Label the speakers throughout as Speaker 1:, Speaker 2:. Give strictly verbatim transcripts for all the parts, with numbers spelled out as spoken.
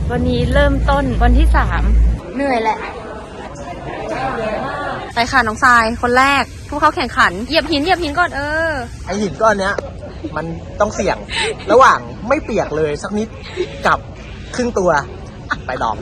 Speaker 1: วันนี้เริ่มต้นวันที่สามเหนื่อยแหละไปค่ะน้องทรายคนแรกผู้เข้าแข่งขันเหยียบหินเหยียบหินก่อนเออ
Speaker 2: ไอหินก้อนเนี้ยมันต้องเสี่ยงระหว่างไม่เปียกเลยสักนิดกับครึ่งตัวไปลอง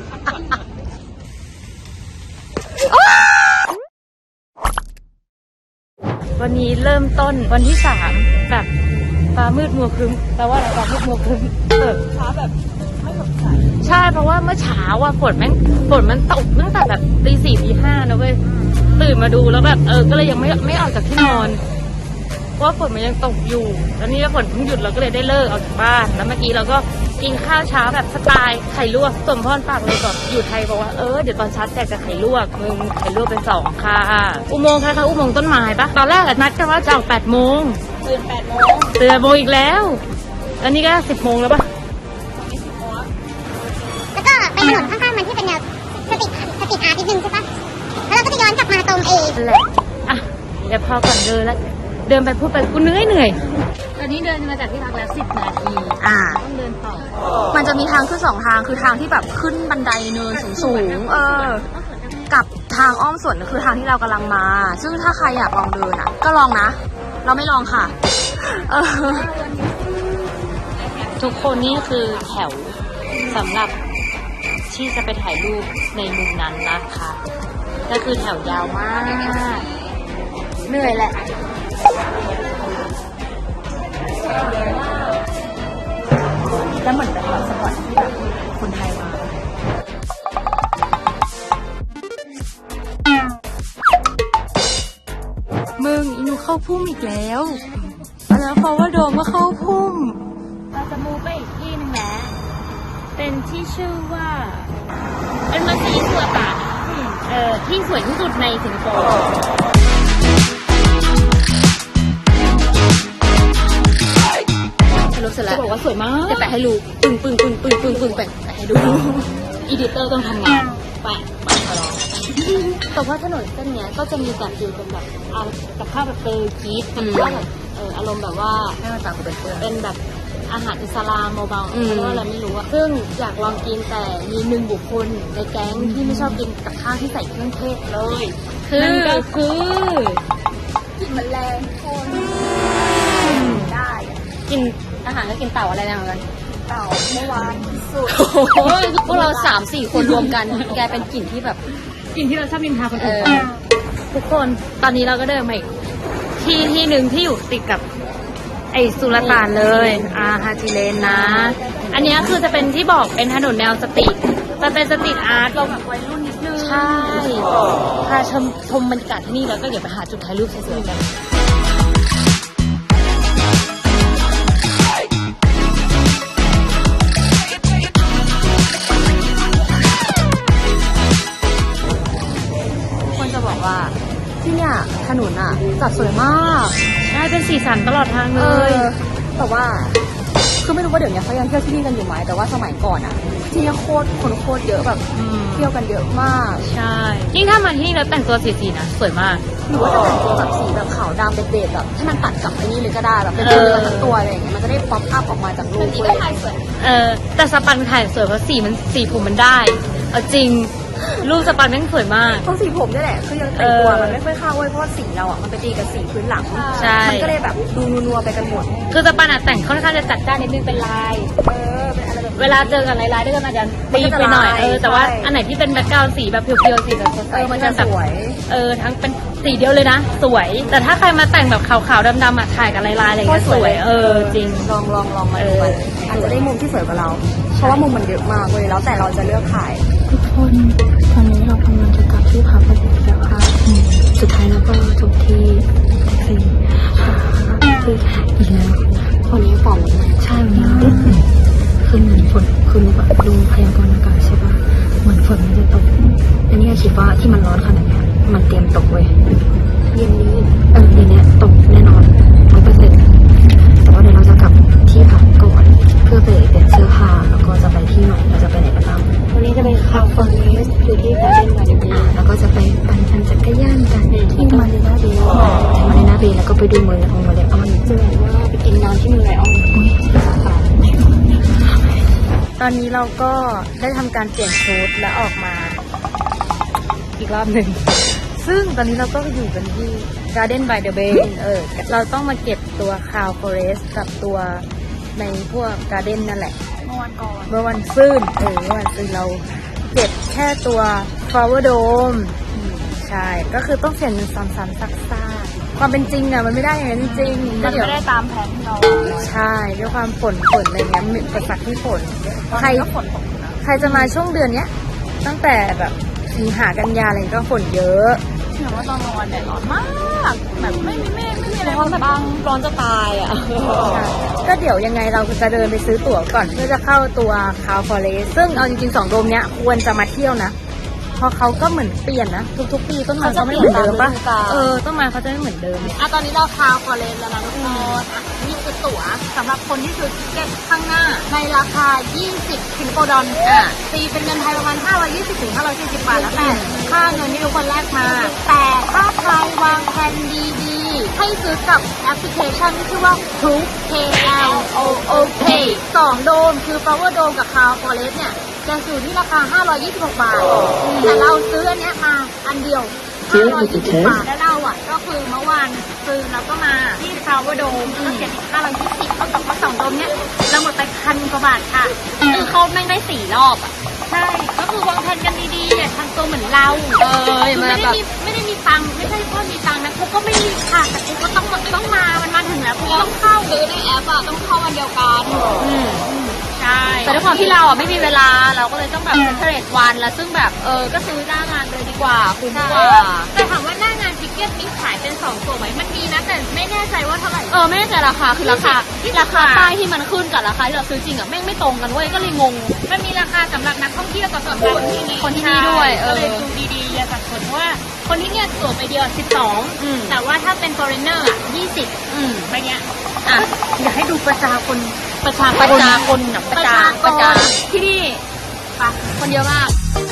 Speaker 1: วันนี้เริ่มต้นวันที่สามแบบฟ้ามืดมัวครึ้มแปลว่าอะไรฟ้ามืดมัวครึ้มเออฟ้าแบบไม่สดใสใช่เพราะว่าเมื่อเช้าอ่ะฝนแม่งฝนมันตกตั้งแต่แบบตีสี่ตีห้านะเว้ยตื่นมาดูแล้วแบบเออก็เลยยังไม่ไม่ออกจากที่นอนเพราะว่าฝนมันยังตกอยู่แล้วนี่ฝนเพิ่งหยุดเราก็เลยได้เลิกออกจากบ้านแล้วเมื่อกี้เราก็กินข้าวเช้าแบบสไตล์ไข่ลวกสมพรฝากเลยก่อนอยู่ไทยบอกว่าเออเดี๋ยวตอนเช้าแจกจะไข่ลวกมึงไข่ลวกเป็นสองค่ะอุโมงค์ค่ะอุโมงค์ต้นไม้ปะตอนแรกนัดกันว่าจะออกแปดโมงตื่นแปดโมงตื่นโมงอีกแล้วแล้วนี่ก็สิบโมงแล้วปะ
Speaker 3: แล้วก็ไปถนนข้างๆมันที่เป็นแนวสตรีทสตรีทอาร์ตนิดนึงใช่ปะแล้วเราก็จะย้อนกลับมาตรงเอ
Speaker 1: แหละอ่ะเดี๋ยวพอก่อนเดินแล้วเดินไปพูดไปกูเหนื่อยเหนื่อยตอนนี้เดินมาจากที่พักแล้วสิบนาทีอ่าต้องเดินต่อมันจะมีทางขึ้นสองทางคือทางที่แบบขึ้นบันไดเนินสูงๆเออกับทางอ้อมสวนคือทางที่เรากำลังมาซึ่งถ้าใครอยากลองเดินอ่ะก็ลองนะเราไม่ลองค่ะเออทุกคนนี่คือแถวสำหรับที่จะไปถ่ายรูปในมุมนั้นนะคะก็คือแถวยาวมากเหนื่อยแหละแล้วเหมือนเป็นแบบสปอร์ตที่แบบคนไทยมามึงอีหนูเข้าพุ่มอีกแล้วแล้วเพราะว่าโดมก็เข้าพุ่มเราจะมูไปอีกที่นึงนะเป็นที่ชื่อว่าเป็นมัสยิดตัวตาเอ่อที่สวยที่สุดในสิงคโปร์รู้สึกแล้วจะบอกว่าสวยมากจะแปะให้ดูปึ้งปึ้งปึ้งปึ้งปึ้งปึ้งแปะให้ดูอีดิเตอร์ต้องทำงานแปะแปะขอร้องแต่ว่าถนนเส้นเนี้ยก็จะมีแบบอยู่เป็นแบบเอากับข้าวแบบเตยกีดกับข้าวแบบเอออารมณ์แบบว่าให้มันต่างกันเป็นเพื่อนเป็นแบบอาหารอิสลามเบาๆเพราะว่าอะไรไม่รู้อะซึ่งอยากลองกินแต่มีหนึ่งบุคคลในแก๊งที่ไม่ชอบกินกับข้าวที่ใส่เครื่องเทศเลยนั่นก็คือกินแมลงคนได้กินอาหารก็กินเต่าอะไรนะเหมือนกันเต่าเมื่อวานสุดโอ้ยพวกเราสามสี่คนรวมกันแกเป็นกลิ่นที่แบบกลิ่นที่เราชอบนินทาคนอื่นทุกคนตอนนี้เราก็เดินมาอีกที่ที่หนึ่งที่อยู่ติดกับไอสุลต่านเลยอาฮาจิเลนนะอันนี้คือจะเป็นที่บอกเป็นถนนแนวสตรีทจะเป็นสตรีทอาร์ตเราแบบวัยรุ่นนิดนึงใช่พาชมชมบรรยากาศที่นี่แล้วก็เดี๋ยวไปหาจุดถ่ายรูปสวยๆกันคนจะบอกว่าที่เนี่ยถนนอ่ะจัดสวยมากได้เป็นสีสันตลอดทางเลยแต่ว่าคือไม่รู้ว่าเดี๋ยวนี้เขายังเที่ยวที่นี่กันอยู่ไหมแต่ว่าสมัยก่อนอ่ะที่นี่โคตรคนโคตรเยอะแบบเที่ยวกันเยอะมากใช่ยิ่งถ้ามาที่นี่แล้วแต่งตัวสีๆนะสวยมากหรือว่าจะแต่งตัวแบบสีแบบขาวดำเด็ดๆแบบให้มันตัดกับไอ้นี่เลยก็ได้แบบเป็นเรือทั้งตัวอะไรอย่างเงี้ยมันจะได้ป๊อปอัพออกมาจากรูปเลยเออแต่สปันถ่ายสวยเพราะสีมันสีผมมันได้เอาจริงรูปสปันแม่งสวยมาก
Speaker 4: เพราะสีผมนี่แหละคือยังแต่งตัวมันไม่ค่อยเข้าเว้ยเพราะว่าสีเราอ่ะมันไปตีกับสีพื้นหลัง
Speaker 1: ใช่
Speaker 4: มันก็เลยแบบดูนัวๆไปกันหมด
Speaker 1: คือสปันอ่ะแต่งค่อนข้างจะจัดจ้านนิดนึงเป็นลาย
Speaker 4: เออเป็นอะไรแบบ
Speaker 1: เวลาเจอกันลายๆด้วยกันอาจจะตีไปหน่อยเออแต่ว่าอันไหนที่เป็นแบ็คกราวด์สีแบบเพียวๆสีแบบสดใส
Speaker 4: เออมันจะสวย
Speaker 1: เออทั้งเป็นสีเดียวเลยนะสวยแต่ถ้าใครมาแต่งแบบขาวๆดำๆอ่ะถ่ายกับลายๆอะไรอย่างเงี้ยสวยเออจริง
Speaker 4: ลองลองลองมาดูกันอาจจะได้มุมที่สวยกว่าเราเพราะว่ามุมมันเยอะมากเลยแล้วแต่เราจะเลือกถ่าย
Speaker 5: ทุกคนตอนนี้เรากำลังจะกลับที่พักกันแล้วค่ะสุดท้ายแล้วก็จบที่แท็กซี่ที่อีกแล้ว
Speaker 4: วันนี้ฝน
Speaker 5: ใช่วันนี้คือเหมือนฝนคือแบบดูพยากรณ์อากาศใช่ปะเหมือนฝนมันจะตกอันนี้คิดว่าที่มันร้อนขนาดนี้มันเตรียมตกเว้ย
Speaker 4: เย็นนี้
Speaker 5: เออเย็นนี้ตกแน่นอนร้อยเปอร์เซ็นต์แต่ว่าเดี๋ยวเราจะกลับที่พักก่อนเพื่อไปเปลี่ยนเสื้อผ้าแล้วก็จะไปที่ใหม่เราจะไปไหนกันบ้าง
Speaker 4: วันนี้จะไปคาเฟ่อยู่ที่การ์เด้นมาริเน่
Speaker 5: แล้วก็จะไปปั่นจักรยานกันที่มาริน่าเบย์มาริน่าเบย์แล้วก็ไปดูเมืองของมาเลออน
Speaker 4: เจอว่าไปกินน้ำที่เมืองไลออน
Speaker 5: ตอนนี้เราก็ได้ทำการเปลี่ยนชุดและออกมาอีกรอบหนึ่ง ซึ่งตอนนี้เราก็อยู่กันที่ Garden by the Bay เออ เราต้องมาเก็บตัว Cloud Forest กับตัวในพวก Garden นั่นแหละ
Speaker 4: เมื่อวันก่อน
Speaker 5: เมื่อวันซื่นเออเมื่อวันซื่นเราเก็บแค่ตัว Flower Dome ใช่ ก็คือต้องเปลี่ยนเป็นซ้ำๆซักๆความเป็นจริงอะมันไม่ได้อย่างนั้นจริงๆ
Speaker 4: มั
Speaker 5: ก็
Speaker 4: น
Speaker 5: เดี๋ยว
Speaker 4: ไม่ได้ตามแผนที่เรา
Speaker 5: ใช่ด้วยความฝนฝนอะไรเงี้ยมีอุปสรรคที่ฝนใคร
Speaker 4: ก็ฝนตกนะ
Speaker 5: ใครจะมาช่วงเดือนเนี้ย ตั้งแต่แบบสิงหากันยาอะไรก็ฝนเยอะ
Speaker 4: เห็นว่าตอนกลางวันแดดร้อนมากแบบไม่มีเมฆไม่มีอะไร
Speaker 1: ร้อนแบบร้อนจะตายอ่ะ
Speaker 5: ใช่ก็เดี๋ยวยังไงเราจะเดินไปซื้อตั๋วก่อนเพื่อจะเข้าตัวคาวฟอเรสซึ่งเอาจริงๆสองโดมเนี้ยควรจะมาเที่ยวนะเพราะเขาก็เหมือนเปลี่ยนนะทุกๆปีต้นไม้เขาไม่เหมือนเดิมปะเออต้นไม้เขาจะไม่เหมือนเดิม
Speaker 1: อ่ะตอนนี้เราคาวฟอเรสแล้วนะทุกคนอ่ะนี่คือตั๋วสำหรับคนที่ซื้อทิเก็ตข้างหน้าในราคา ยี่สิบสิงคโปร์ดอลอ่ะตีเป็นเงินไทยประมาณ ห้าร้อยยี่สิบ ถึง ห้าร้อยสี่สิบ บาทแล้วแต่ค่าเงินที่ทุกคนแลกมา แต่ถ้าใครวางแผนดีๆ ให้ซื้อกับแอปพลิเคชันที่ชื่อว่า Klook K L O O K สองโดมคือ Flower Dome กับ Cloud Forest เนี่ยจะอยู่ที่ราคา ห้าร้อยยี่สิบหก บาท แต่เราซื้ออันเนี้ยมาอันเดียว ห้าร้อยยี่สิบ บาท แล้วเราอ่ะก็คือเมื่อวานซื้อแล้วก็มาที่ Flower Dome ก็เสียอีกห้าร้อยยี่สิบเท่ากับว่าสองโดมเนี้ยเราหมดไปพันกว่าบาทค่ะคือเขาแม่งได้สี่รอบอ่ะ ใช่ ก็คือวางแผนกันดีๆอย่าทำตัวเหมือนเรา เออไม่ได้มีไม่ได้มีตังค์ไม่ใช่ว่ามีตังค์นะกูก็ไม่มีค่ะแต่กูก็ต้องต้องมา มันมาถึงแล้วกูต้องเข้าซื้อในแอปอ่ะต้องเข้าวันเดียวกันอืมใช่แต่ด้วยความที่เราอ่ะไม่มีเวลาเราก็เลยต้องแบบเซ็นเตอร์เรทวันแล้วซึ่งแบบเออก็ซื้อหน้างานเลยดีกว่าคุ้มกว่าแต่ถามว่าหน้างานทิเก็ตมีขายเป็นสองตัวไหมมันมีนะแต่ไม่แน่ใจว่าเท่าไหร่เออไม่แน่ใจราคาคือราคาราคาป้ายที่มันขึ้นกับราคาที่เราซื้อจริงอ่ะแม่งไม่ตรงกันเว้ยก็เลยงงมันมีราคาสำหรับนักท่องเที่ยวกับสำหรับคนที่นี่คนที่นี่ด้วยเออก็เลยดูดีๆอย่าสับสนเพราะว่าคนที่เนี่ยตั๋วไปเดียวสิบสองแต่ว่าถ้าเป็น foreigner อ่ะยี่สิบอืมไปเนี้ยอ่ะอยากให้ดูประชาคนประชาประชาคนนะประชาประชาที่นี่ปะคนเยอะมาก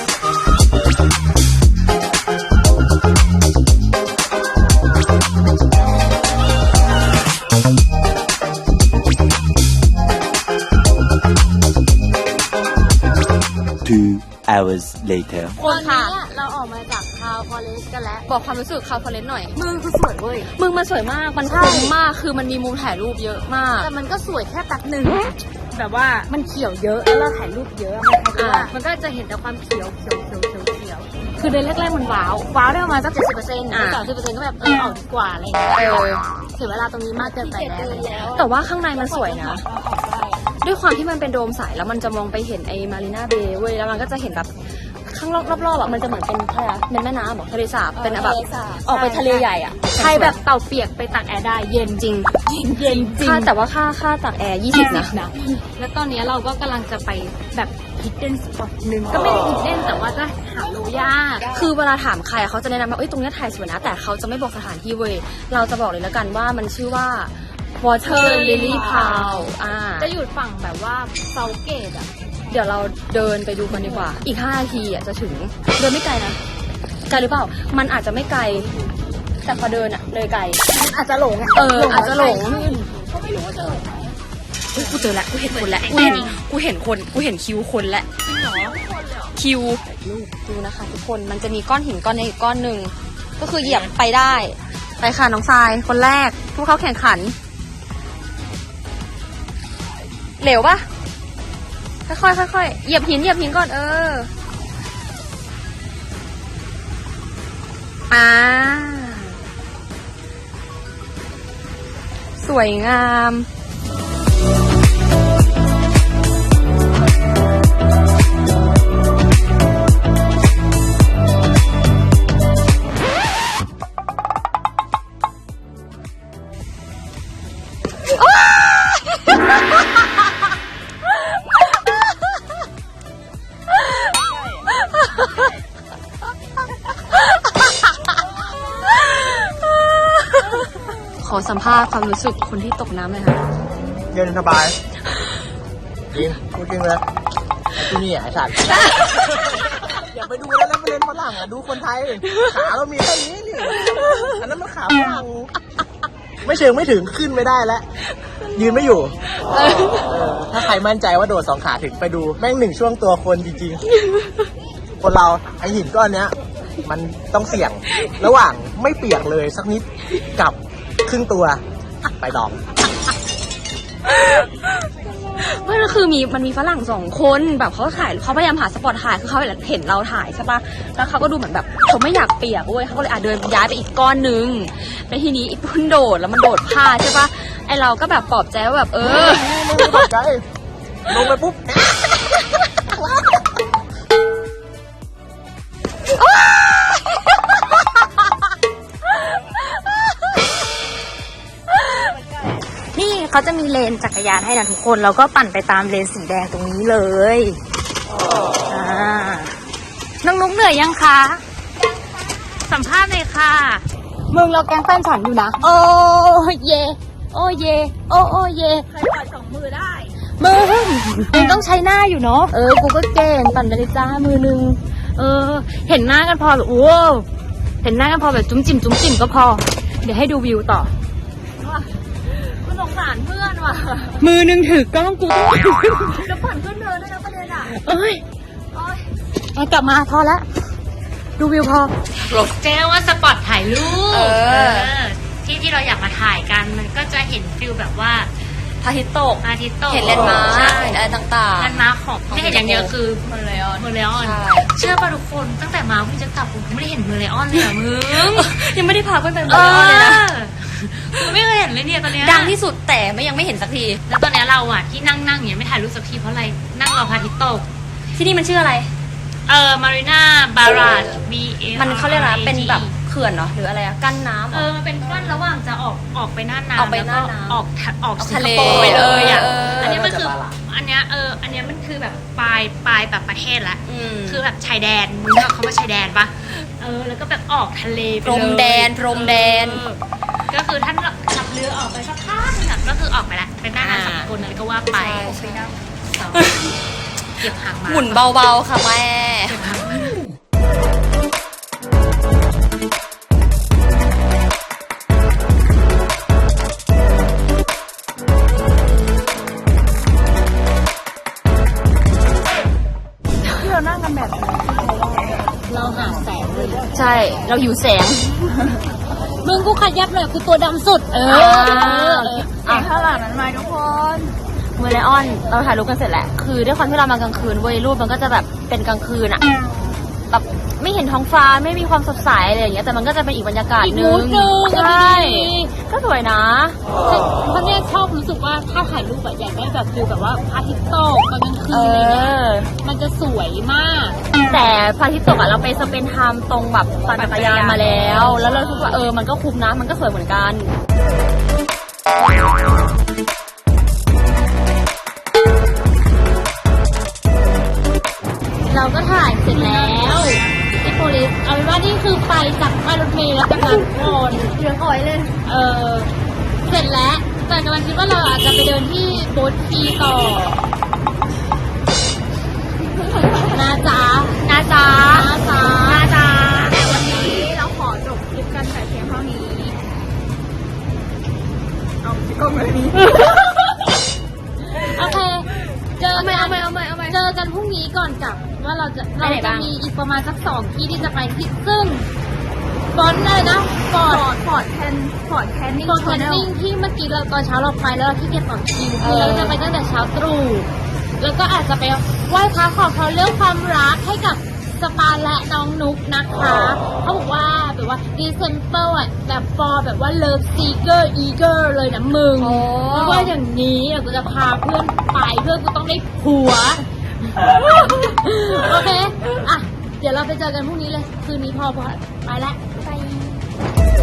Speaker 6: Two hours later.
Speaker 1: คนค่ะเราออกมาจากคาวฟอเรสกันแล้วบอกความรู้สึกคาวฟอเรสหน่อยมึงคือสวยเว้ยมึงมันสวยมากมันคมมากคือมันมีมุมถ่ายรูปเยอะมากแต่มันก็สวยแค่แป๊บหนึ่งแบบว่ามันเขียวเยอะแล้วเราถ่ายรูปเยอะมันคล้ายๆว่ามันก็จะเห็นแต่ความเขียวเขียวเขียวเขียวเขียวคือเดือนแรกๆมันว้าวว้าวได้ประมาณสักเจ็ดสิบเปอร์เซ็นต์สามสิบเปอร์เซ็นต์ก็แบบเออออกดีกว่าอะไรอย่างเงี้ยเออเสียเวลาตรงนี้มากเกินไปแล้วแต่ว่าข้างในมันสวยนะด้วยความที่มันเป็นโดมใสแล้วมันจะมองไปเห็นไอ้มารีนาเบย์เว้ยแล้วมันก็จะเห็นแบบข้างรอบๆอ่ะมันจะเหมือนเป็นอะไรอะเป็นแม่น้ำหรอทะเลสาบเป็นแบบออกไปทะเลใหญ่อ่ะใครแบบเต่าเปียกไปตักแอร์ได้เย็นจริงเย็นจริงแต่ว่าค่าค่าตักแอร์ยี่สิบนะแล้วตอนนี้เราก็กำลังจะไปแบบฮิดเด้นสปอตหนึ่งก็ไม่ได้ฮิดเด้นแต่ว่าก็หาโลยากคือเวลาถามใครเขาจะแนะนำว่าเอ้ยตรงนี้ถ่ายสวยนะแต่เขาจะไม่บอกสถานที่เว้ยเราจะบอกเลยแล้วกันว่ามันชื่อว่า Water Lily Pool อ่าจะอยู่ฝั่งแบบว่าเซาเกตอ่ะเดี๋ยวเราเดินไปดูกันดีกว่าอีกห้านาทีอ่ะจะถึงเดินไม่ไกลนะไกลหรือเปล่ามันอาจจะไม่ไกลแต่พอเดินอ่ะเลยไกลอาจจะหลงเอออาจจะหลงเขาไม่รู้ว่าเจอเฮ้ยกูเจอแล้วกูเห็นคนแล้วกูเห็นกูเห็นคนกูเห็นคิวคนแล้วคิวดูนะคะทุกคนมันจะมีก้อนหินก้อนนี้อีกก้อนหนึ่งก็คือเหยียบไปได้ไปค่ะน้องทรายคนแรกผู้เข้าแข่งขันเหลวปะค่อยๆค่อยๆเหยียบหินเหยียบหินก่อนเอออ่าสวยงามขอสัมภาษณ์ความรู้สึกคนที่ตกน้ำเลยค่ะ
Speaker 2: เย็นสบายจริงพูดจริงเลยที่นี่อ่ะไอ้สัตว์ อย่าไปดูแล้วนะไปเล่นฝรั่งอ่ะดูคนไทยขาเรามีแค่นี้นี่อันนั้นมันขาฝรั่งไม่เชิงไม่ถึงขึ้นไม่ได้แล้วยืนไม่อยู่เออถ้าใครมั่นใจว่าโดดสองขาถึงไปดูแม่งหนึ่งช่วงตัวคนจริงๆ คนเราไอหินก้อนเนี้ย มันต้องเสี่ยงระหว่างไม่เปียกเลยสักนิดกับครึ่งตัวไปลอง
Speaker 4: ไม่ก็คือมีมันมีฝรั่งสองคนแบบเขาถ่ายเขาพยายามหาสปอตถ่ายคือเขาเห็นเราถ่ายใช่ปะแล้วเขาก็ดูเหมือนแบบเขาไม่อยากเปียกเว้ยเขาก็เลยอ่ะเดินย้ายไปอีกก้อนนึงแล้วทีนี้อีกคนโดดแล้วมันโดดพลาดใช่ปะไอเราก็แบบปลอบใจว่าแบบเออ
Speaker 2: ไม่ได้ตกใจลงไปปุ๊บ
Speaker 5: นี่เขาจะมีเลนจักรยานให้นะทุกคนแล้วก็ปั่นไปตามเลนสีแดงตรงนี้เลยอ่าน้องนุ๊กเหนื่อยยังคะ สัมภาษณ์เลยค่ะ
Speaker 4: มึงเราแกล้งแฟนฉันอยู่นะ
Speaker 5: โอ้เย โอ้เย โอ้โอ้เย
Speaker 4: ใครปล่อยสองมือได้
Speaker 5: มึงมึงต้องใช้หน้าอยู่เนาะ เออ กูก็เก่งปั่นไปเลยจ้ามือนึง เออ เห็นหน้ากันพอแบบโอ้เห็นหน้ากันพอแบบจุ้มจิ่มจุ้มจิ่มก็พอ เดี๋ยวให้ดูวิวต่อ
Speaker 4: กูสงสารเพื่อนว่ะ
Speaker 5: มือนึงถือกล้องกู
Speaker 4: แล้วผ่อนขึ้นเดินด้วยนะประเด็นอ่ะ
Speaker 5: เอ้ยเอากลับมาพอแล้ว ดูวิวพอ
Speaker 1: เจ๊ว่าสปอตถ่ายรูป
Speaker 4: เออ
Speaker 1: ที่ที่เราอยากมาถ่ายกันมันก็จะเห็นฟิลแบบว่า
Speaker 4: พระอาทิตย์ตก
Speaker 1: อาทิตย์ตก
Speaker 4: เห็นเลนด์มาร์ค
Speaker 1: ใช่
Speaker 4: เห็นอะไรต่างๆ
Speaker 1: แลนด์มาร์คของไม่เห็นอย่างเดียวคือ
Speaker 4: มันเลยอ่อน
Speaker 1: เมอร์เลออน
Speaker 4: ใช่
Speaker 1: เชื่อป่ะทุกคนตั้งแต่มาพี่จะกลับผมไม่ได้เห็นเมอร์เลออนเลยอะมึง
Speaker 4: ยังไม่ได้พาเพื่อนไปเม
Speaker 1: เอ
Speaker 4: อร์เลออนเลยนะ
Speaker 1: อมึงไม่เคยเห็นเลยเนี่ยตอนเนี้ย
Speaker 4: ดังที่สุดแต่ไม่ยังไม่เห็นสักที
Speaker 1: แล้วตอนเนี้ยเราอะที่นั่งนั่งอย่างเงี้ยไม่ถ่ายรูปสักทีเพราะอะไรนั่งรอพระอาทิตย์ตก
Speaker 4: ที่นี่มันชื่ออะไร
Speaker 1: เออมารีนาบาราจ B A
Speaker 4: มันเขาเรียกอะไรเป็นแบบเขื่อนเหรอหรืออะไรอะกั้นน้ำเหร
Speaker 1: เอ
Speaker 4: อ
Speaker 1: อมันเป็นกั้นระหว่างจะออกออกไปหน้าน้ำ
Speaker 4: ออกไปหน้า
Speaker 1: แล้ว
Speaker 4: น้ำ
Speaker 1: ออกทะออก
Speaker 4: ออก
Speaker 1: สิง
Speaker 4: ทะ
Speaker 1: ค
Speaker 4: เล
Speaker 1: โปร์ไปเลยอะ
Speaker 4: เออ
Speaker 1: อันนี้มันคืออันเนี้ยเอออันเนี้ยมันคือแบบปลายปลายแบบประเทศละ
Speaker 4: อืม
Speaker 1: คือแบบชายแดนมึงรู้จักเขาว่าชายแดนปะเออแล้วก็แบบออกทะเลไป
Speaker 4: พร
Speaker 1: เลย
Speaker 4: มแดนพรมแดน
Speaker 1: เออก็คือท่านขับเรือออกไปสักพักนึงอะก็คือออกไปละเป็นหน้าน้ำสากลอะไรก็ว่าไป
Speaker 4: ใช่ใช่
Speaker 1: เก็บหางมา
Speaker 4: หมุนเบาๆค่ะแม่
Speaker 1: เก็บหางมา
Speaker 5: เราหาแสงเลย
Speaker 4: ใช่ เราหิวแสง
Speaker 5: มึงกูขยับหน่อยกูตัวดำสุด เออ
Speaker 4: อ่ะข้างหลังนั้นมาทุกคนเมอร์ไลออน เราถ่ายรูปกันเสร็จแล้ว คือด้วยความที่เรามากลางคืนเว้ยรูปมันก็จะแบบเป็นกลางคืนอะแบบไม่เห็นท้องฟ้าไม่มีความสดใสอะไรอย่างเงี้ย แต่มันก็จะเป็นอีกบรรยากาศ
Speaker 5: อีก
Speaker 4: ห
Speaker 5: มู
Speaker 4: นึ
Speaker 5: ด
Speaker 4: ง
Speaker 5: หนึ่ง
Speaker 4: ใช่
Speaker 5: ดี
Speaker 4: ก็สวยนะ
Speaker 5: ใช่เพราะเนี่ยชอบรู้สึกว่าถ้าถ่ายรูปแบบอยากได้แบบฟิลแบบว่าพระอาทิตย์ตกตอนกลางคื
Speaker 4: เอน
Speaker 5: อะไรเงี้ย
Speaker 4: อ
Speaker 5: มันจะสวยมาก
Speaker 4: แต่พระอาทิตย์ตกอะเราไปสเปนไทม์ตรงแบบปั่นจักรยานมาแล้ว แล้วเราคิดว่าเออมันก็คุ้มนะมันก็สวยเหมือนกัน
Speaker 5: เราก็ถ่ายเสร็จแล้วที่โพลิสเอาเป็นว่านี่คือไปจากป้ายรถเมล์แล้วกำลังโอน
Speaker 4: เหลืองอ่อยเลย
Speaker 5: เออเสร็จแล้วแต่กำลังคิดว่าเราอาจจะไปเดินที่โบ๊ททีต่อนะจ๊ะ
Speaker 4: นะจ๊ะ
Speaker 5: นะจ๊ะ
Speaker 4: นะจ๊ะแต่วันนี้เราขอจบคลิปกันแต่เพียงเท่านี้ เอากล้องเลยนี้
Speaker 5: โอเคเจอ
Speaker 4: เอาไหม
Speaker 5: กั
Speaker 4: เอาไหมเอาไหมเอาไหม
Speaker 5: เจอกันพรุ่งนี้ก่อนกลับว่าเราจะ
Speaker 4: ไป
Speaker 5: เรา
Speaker 4: ไหน
Speaker 5: จะ
Speaker 4: บ้าง
Speaker 5: มีอีกประมาณสักสองที่ที่จะไปที่ซึ่งฟอนต์อะไรนะฟอ
Speaker 4: ฟ
Speaker 5: ร์
Speaker 4: อ
Speaker 5: ด
Speaker 4: ร์ดฟอร์ดแคนฟอร์ดแคนนิ่ง
Speaker 5: โซนแคนนิ่งที่เมื่อกี้เราตอนเช้าเราไปแล้วเราที่เกียจต่อคิว
Speaker 4: เอ
Speaker 5: คือ
Speaker 4: อ
Speaker 5: เราจะไปตั้งแต่เช้าตรู่แล้วก็อาจจะไปไหว้พระขอพรเรื่องความรักให้กับสปาและน้องนุกนะคะเขาบอกว่าแบบว่าดีเซนเปอร์อ่ะแบบฟอร์แบบว่าเลิฟซีเกอร์อีเกอร์เลยนะมึง
Speaker 4: โอ้
Speaker 5: เพราะว่าอย่างนี้เดี๋ยวกูจะพาเพื่อนไปเพื่อนกูต้องได้ผัว โอเค อ่ะ เดี๋ยวเราไปเจอกันพรุ่งนี้เลย คืนนี้พอพอไปแล้ว ไป